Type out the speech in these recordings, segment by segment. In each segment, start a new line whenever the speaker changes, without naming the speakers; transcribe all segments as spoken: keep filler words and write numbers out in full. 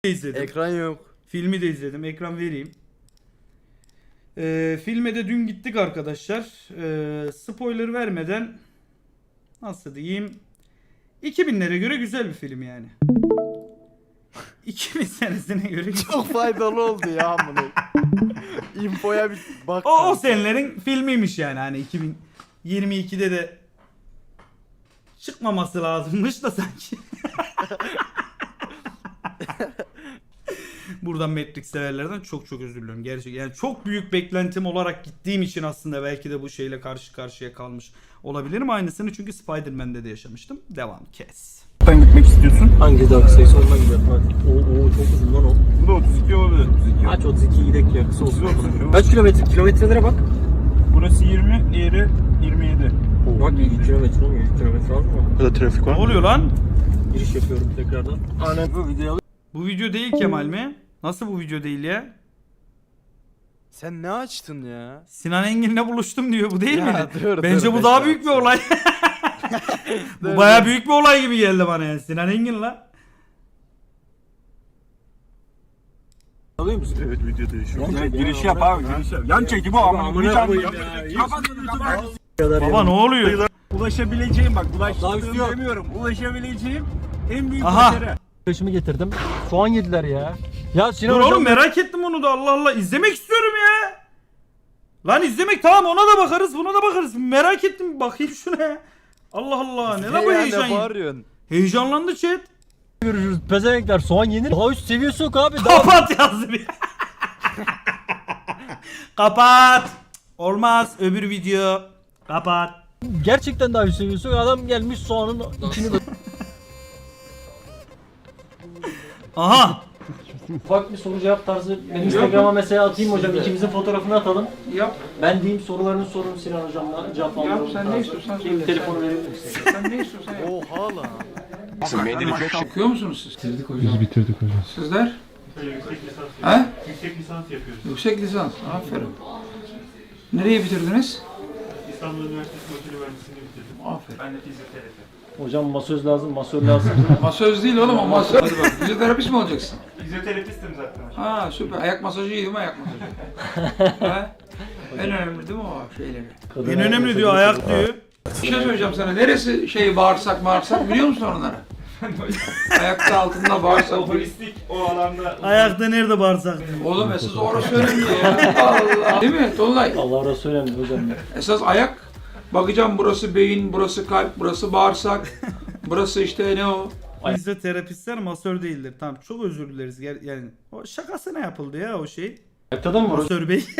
izledim.
Ekran yok.
Filmi de izledim. Ekran vereyim. Ee, filme de dün gittik arkadaşlar. Ee, spoiler vermeden nasıl diyeyim? iki binlere göre güzel bir film yani. iki bin senesine göre
Çok faydalı oldu ya amına. Infoya bir bak.
o, o senelerin filmiymiş yani. Hani iki bin yirmi ikide de çıkmaması lazımmış da sanki. Buradan Matrix severlerden çok çok özür diliyorum. Gerçekten yani çok büyük beklentim olarak gittiğim için aslında belki de bu şeyle karşı karşıya kalmış olabilirim. Aynısını çünkü Spider-Man'de de yaşamıştım. Devam kes.
Sen gitmek istiyorsun.
Hangi dark sayısı ondan gidelim hadi. Oo, oo çok uzun lan o.
Bu da otuz iki olabilir. otuz iki.
Aç otuz iki gidek ya kısa olsun.
otuz iki.
Kaç kilometre? Kilometrelere bak.
Burası yirmi, diğeri yirmi yedi.
Bak yüz kilometre olmuyor. yüz kilometre az mı?
Burada trafik
Ne oluyor lan?
Giriş yapıyorum tekrardan. Aynen bu videoyu
Bu video değil Kemal mi? Nasıl bu video değil ya?
Sen ne açtın ya?
Sinan Engin'le buluştum diyor. Bu değil
Ya,
mi?
dur,
Bence
dur,
bu
beş
daha
saat
büyük bir
sonra.
olay. Bu
Dur,
baya
dur.
büyük bir olay gibi geldi bana yani. Sinan Engin la.
alıyor musun?
Evet video değişiyor.
Yan çekim
Giriş
ya,
yap abi giriş yap. Yan çekimi amına
Amına
koyayım.
koyayım ya.
Kapat YouTube'u.
Kadar
Baba ne oluyor?
Ulaşabileceğim bak
Daha
ulaştığım
üstü yok.
demiyorum. Ulaşabileceğim en büyük
Aha.
başarı.
Arkadaşımı getirdim. Soğan yediler ya. Ya Sinan
Dur
hocam
oğlum merak ettim onu da Allah Allah. İzlemek istiyorum ya. Lan izlemek tamam ona da bakarız buna da bakarız. Merak ettim bakayım şuna ya. Allah Allah ne la bu
ya,
heyecan?
ne bağırıyorsun?
Heyecanlandı chat.
görürüz. Pezevenkler soğan yenir. Daha üst seviyesi yok abi. Daha
Kapat yazdı bir. Kapat. Olmaz öbür video. Kapat.
gerçekten daha üst seviyesi yok. Adam gelmiş soğanın içini de...
Aha.
Ufak bir soru cevap tarzı. Ben Instagram'a mesela atayım hocam. İkimizin fotoğrafını atalım.
Yap.
Ben diyeyim sorularını sorun Sinan hocamla cevaplandıralım.
Yap, sen ne
tarzı.
istiyorsan
Kim
söyle.
telefonu verir misin?
Sen ne istiyorsan yap.
Oha lan.
Maşallah. Okuyor musunuz siz?
Bitirdik hocam. Biz bitirdik hocam.
Sizler?
Yüksek lisans.
He?
Yüksek lisans yapıyoruz.
Yüksek lisans. Aferin. Nereye bitirdiniz?
İstanbul Üniversitesi Makine Mühendisliğini bitirdim.
Aferin.
Ben de fizyoterapi.
Hocam masöz lazım, masör lazım.
Masöz değil oğlum o masöz. Hadi bak. Fizyoterapist mi olacaksın?
Fizyoterapistim zaten.
Ha süper. Ayak masajı iyi değil mi ayak masajı? He? En önemli değil mi o şeyleri?
En önemli diyor ayak diyor.
Bir şey söyleyeceğim sana. Neresi şey bağırsak bağırsak biliyor musun onları? Ayakta altında bağırsak.
Holistik o alanda.
Ayakta nerede bağırsak?
Oğlum esas orası önemli ya. Allah. Değil mi Tolunay?
Allah razı önemli hocam.
Esas ayak. Bakacağım burası beyin, burası kalp, burası bağırsak. Burası işte ne o?
Fizyoterapistler masör değildir. Tamam çok özür dileriz. Ger- Yani o şakasına yapıldı ya o şey.
Ayakta da mı var hocam?
Masör bey.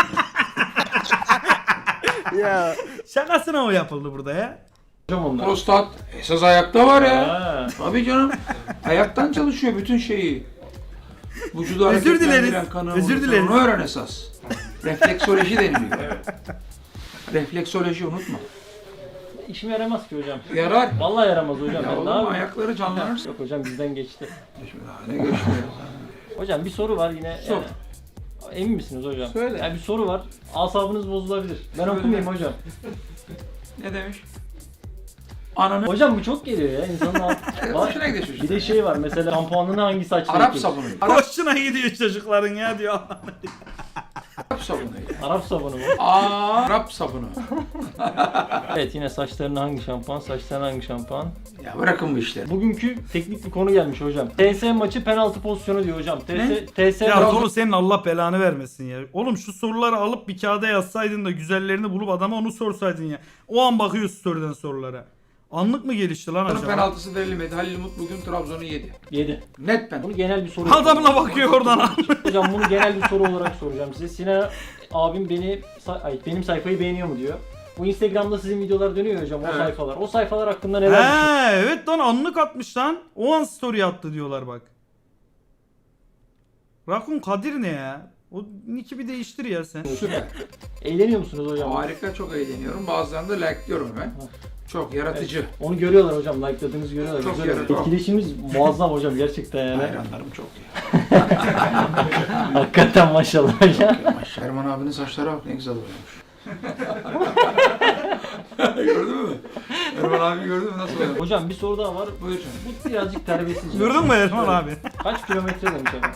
Ya.
Şakasına o yapıldı burada ya.
onlar?
Prostat. Esas ayakta var ya.
Ha.
Tabii canım. Ayaktan çalışıyor bütün şeyi. Vücudu
Özür
hareketlendiren
dileriz.
kanı
Özür
unutur.
dileriz.
Onu öğren esas. Refleksoloji deniliyor. Refleksoloji unutma.
İşime yaramaz ki hocam.
Yarar.
Vallahi yaramaz hocam.
Ya
Ben
oğlum
ne yapayım?
ayakları canlanırsa.
Yok hocam bizden geçti.
Ne geçti?
Hocam bir soru var yine.
Sor.
Yani, emin misiniz hocam?
Söyle.
Yani bir soru var. Asabınız bozulabilir. Ben
Söyle.
okumayayım hocam.
Ne demiş? Ananı
Hocam bu çok geliyor ya insanın altı.
hoşuna gidiyor
Bir
çocuk.
de şey var mesela şampuanını hangi saçla
Arap
yıkayayım?
sabunu. Arap,
Hoşuna gidiyor çocukların ya diyor.
Arap sabunu.
Arap sabunu mu?
Arap sabunu.
Evet yine saçlarına hangi şampuan, saçlarına hangi şampuan?
Ya bırakın bu işleri.
Bugünkü teknik bir konu gelmiş hocam. T S maçı penaltı pozisyonu diyor hocam. T S
Ne?
T S
Ya Tolu senin Allah belanı vermesin ya. Oğlum şu soruları alıp bir kağıda yazsaydın da güzellerini bulup adama onu sorsaydın ya. O an bakıyor story'den sorulara. Anlık mı gelişti lan acaba?
Penaltısı verilmedi. Halil Umut bugün Trabzon'u yedi.
yedi.
Net penaltı.
Bunu genel bir soru.
Adamına bakıyor oradan abi.
Hocam bunu genel bir soru olarak soracağım size. Sinan abim beni ay, benim sayfayı beğeniyor mu diyor. Bu Instagram'da sizin videolar dönüyor hocam o
Evet.
sayfalar. O sayfalar hakkında neler düşünüyorsunuz?
He evet lan anlık atmış lan. O an story attı diyorlar bak. Rakun Kadir ne ya? O nick'i bir değiştir ya sen.
Süper.
Eğleniyor musunuz hocam?
Harika, çok eğleniyorum. Bazılarını da like'lıyorum ben. Çok yaratıcı.
Onu görüyorlar hocam. Like'ladığınızı görüyorlar.
Çok
Güzel.
yaratıcı.
Etkileşimimiz muazzam hocam gerçekten yani.
Hayranlarım çok ya.
Hakikaten maşallah hocam.
Erman abinin saçları bak ne güzel oluyormuş. Gördün mü? Erman abi gördün mü nasıl oynadı?
Hocam bir soru daha var.
Buyur canım.
Bu birazcık terbiyesizce.
Gördün mü Erman abi?
Kaç kilometre demiş adam.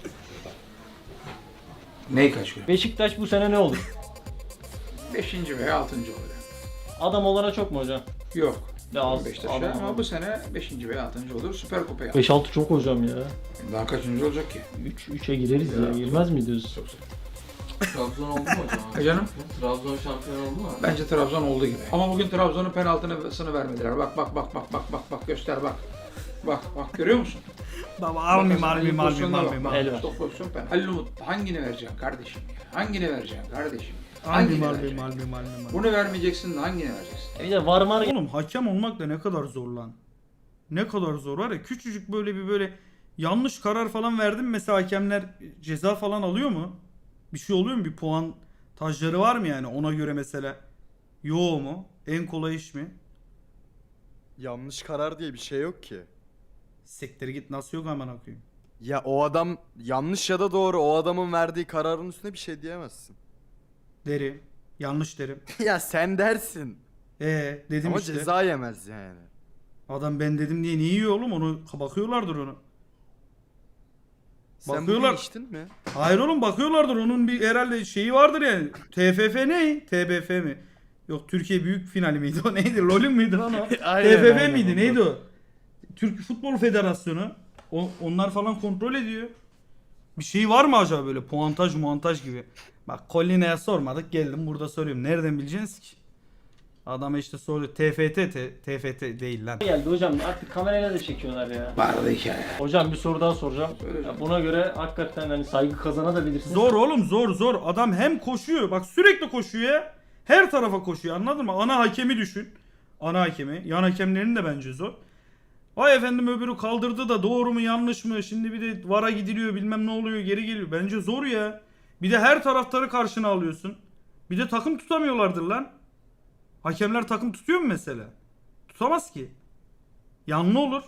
Ney kaç kilo?
Beşiktaş bu sene ne olur?
Beşinci veya altıncı olacak.
Adam olana çok mu hocam?
Yok.
Ya az.
Beşiktaş'a
adam
ama
olana.
bu sene beşinci veya altıncı olur. Süper Kupa yapar.
beş altı çok hocam ya.
Daha kaçıncı olacak ki?
üç üçe gireriz ya. Girmez mi diyoruz?
Çok zor.
Trabzon oldu mu hocam?
E canım?
Trabzon şampiyon oldu mu?
Bence Trabzon olduğu gibi. Ama bugün Trabzon'un penaltısını vermediler. Bak bak bak bak bak bak bak göster bak. Bak bak görüyor musun?
Baba almayayım
Bak,
almayayım
bak,
almayayım
pozisyonlara
almayayım.
bak.
El ver.
Stop pozisyon penaltı. Halil Umut hangini vereceksin kardeşim ya? Hangini vereceksin kardeşim ya?
Almayayım
Hangini
almayayım
vereceksin?
almayayım almayayım.
Bunu vermeyeceksin de hangini vereceksin?
E bir de var var
Oğlum hakem olmak da ne kadar zor lan. Ne kadar zor var ya, küçücük böyle bir böyle yanlış karar falan verdin mesela hakemler ceza falan alıyor mu? Bir şey oluyor mu? Bir puan tajları var mı yani ona göre mesela? Yo mu? En kolay iş mi?
Yanlış karar diye bir şey yok ki.
Siktir git, nasıl yok aman okuyayım.
Ya o adam yanlış ya da doğru, o adamın verdiği kararın üstüne bir şey diyemezsin.
Derim. Yanlış derim.
Ya sen dersin.
Ee dedim
Ama
işte.
ceza yemez yani.
Adam ben dedim diye niye yiyor oğlum, onu bakıyorlardır onu.
Sen
Bakıyorlar.
bugün içtin mi?
Hayır oğlum, bakıyorlardır, onun bir herhalde şeyi vardır yani. T F F ne? T B F mi? Yok, Türkiye Büyük Finali miydi o, neydi? LoL'ün müydü lan o?
Aynen,
T F F
aynen,
miydi
ondan.
neydi o? Türk Futbol Federasyonu. O, onlar falan kontrol ediyor. Bir şey var mı acaba böyle puantaj muantaj gibi? Bak Colline'ye sormadık, geldim burada soruyorum. Nereden bileceksiniz ki? Adama işte soruyor. T F T, T- T F T değil lan.
geldi hocam. Artık kamerayla da çekiyorlar ya.
Vardı hikaye.
Hocam bir soru daha soracağım.
Söyle
Ya
canım.
buna göre hakikaten hani saygı kazanabilirsiniz.
Zor oğlum, zor zor. Adam hem koşuyor. Bak sürekli koşuyor ya. Her tarafa koşuyor, anladın mı? Ana hakemi düşün. Ana hakemi. Yan hakemlerin de bence zor. Vay efendim öbürü kaldırdı da doğru mu yanlış mı? Şimdi bir de vara gidiliyor, bilmem ne oluyor, geri geliyor. Bence zor ya. Bir de her taraftarı karşına alıyorsun. Bir de takım tutamıyorlardır lan. Hakemler takım tutuyor mu mesela? Tutamaz ki. Yanlı olur.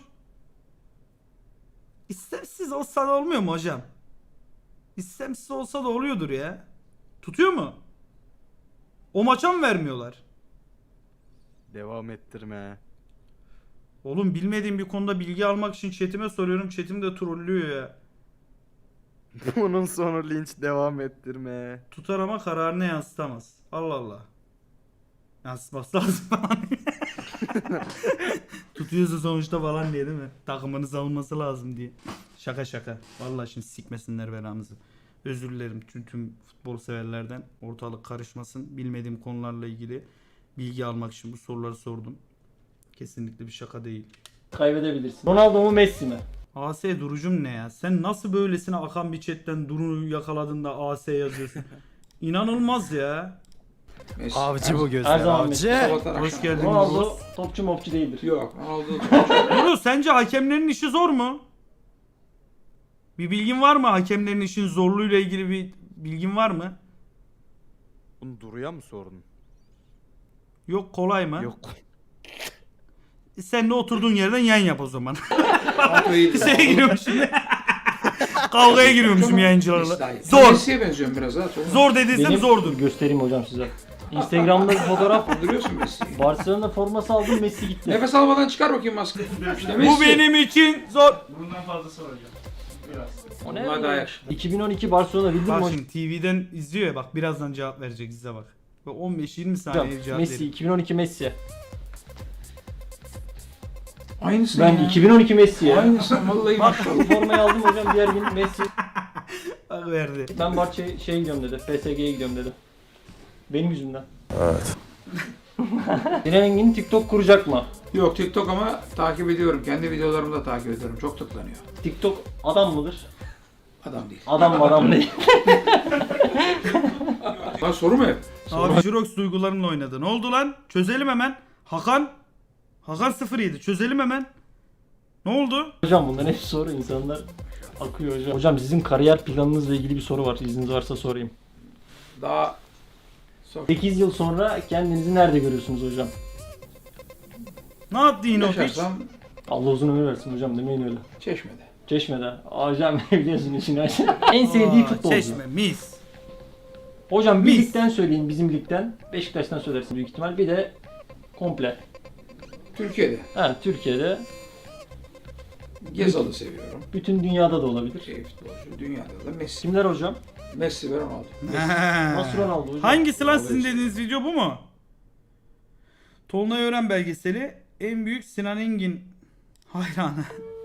İstemsiz olsa da olmuyor mu hocam? İstemsiz olsa da oluyordur ya. Tutuyor mu? O maça mı vermiyorlar?
Devam ettirme.
Oğlum bilmediğim bir konuda bilgi almak için chatime soruyorum. Chatim de trollüyor ya.
Bunun sonu linç, devam ettirme.
Tutar ama kararını yansıtamaz. Allah Allah. Yansıtması lazım falan. Tutuyorsa sonuçta falan diye değil mi? Takımını savunması lazım diye. Şaka şaka. Vallahi şimdi sikmesinler belamızı. Özür dilerim tüm, tüm futbol severlerden. Ortalık karışmasın. Bilmediğim konularla ilgili bilgi almak için bu soruları sordum. Kesinlikle bir şaka değil.
Kaybedebilirsin. Ronaldo mu Messi mi?
A S durucum ne ya? Sen nasıl böylesine akan bir chatten Duru yakaladın da A S yazıyorsun? İnanılmaz ya.
Messi.
Avcı bu gözler,
Her zaman
avcı.
Sabahtan
Hoş
akşama.
geldin.
Ronaldo topçu mopçu değildir.
Yok. Ronaldo.
Duru sence hakemlerin işi zor mu? Bir bilgin var mı? Hakemlerin işin zorluğuyla ilgili bir bilgin var mı?
Bunu Duru'ya mı sordun?
Yok, kolay mı?
Yok.
Sen de oturduğun yerden yan yap o zaman.
Ronaldo iyiydi.
Şeye giriyorum şimdi. Kavgaya giriyormuşum yayıncılarla.
İsrail.
Zor.
Messi'ye benziyorum biraz ha. Çok
Zor dediysem
Benim
zordur.
göstereyim hocam size. Instagram'da bir fotoğraf.
Andırıyorsun Messi'yi.
Barcelona forması aldım, Messi gitti.
Nefes almadan çıkar bakayım maskeyi. İşte
Bu
Messi.
benim için zor.
Bundan fazlası var hocam. Biraz.
O ne?
Bunlar daha yakışıklı.
iki bin on iki Barcelona bildin mi
Bak
hocam?
şimdi T V'den izliyor ya, bak birazdan cevap verecek, izle bak. Bak on beş yirmi saniye cevap
Messi,
verecek.
iki bin on iki Messi.
Aynısı
Ben
ya.
iki bin on iki Messi ya.
Aynısı vallahi
Bak.
maşallah.
Bu formayı aldım hocam, diğer gün Messi.
Bak verdi.
Ben Barça'ya şey gidiyorum dedi, P S G'ye gidiyorum dedi. Benim yüzümden. Evet. Sinan Engin TikTok kuracak mı?
Yok TikTok ama takip ediyorum. Kendi videolarımı da takip ediyorum. Çok tıklanıyor.
TikTok adam mıdır?
Adam değil.
Adam mı adam değil.
Lan soru mu hep?
Abi Jirox duygularımla oynadı. Ne oldu lan? Çözelim hemen. Hakan. Hakan sıfır yedi. Çözelim hemen. Ne oldu?
Hocam bunların hepsi soru, insanlar akıyor hocam. Hocam sizin kariyer planınızla ilgili bir soru var, izniniz varsa sorayım.
Daha sor.
sekiz yıl sonra kendinizi nerede görüyorsunuz hocam?
Ne yaptı yine o piç?
Yaşarsam
Allah uzun ömür versin hocam, demeyin öyle.
Çeşme'de.
Çeşme'de. Hocam biliyorsun işini aşağı. En sevdiği
Aa,
futbolcu.
Çeşme, mis.
Hocam bir
Mis.
ligden söyleyin, bizim ligden. Beşiktaş'tan söylersin büyük ihtimal. Bir de Komple.
Türkiye'de.
Ha, Türkiye'de.
Gezal'ı seviyorum.
Bütün dünyada da olabilir.
Şey futbolcu. Dünyada da Messi.
Kimler hocam?
Messi ve Ronaldo.
Nasıl Ronaldo hocam?
Hangisi lan sizin dediğiniz video bu mu? Tolunay Ören belgeseli en büyük Sinan Engin hayranı.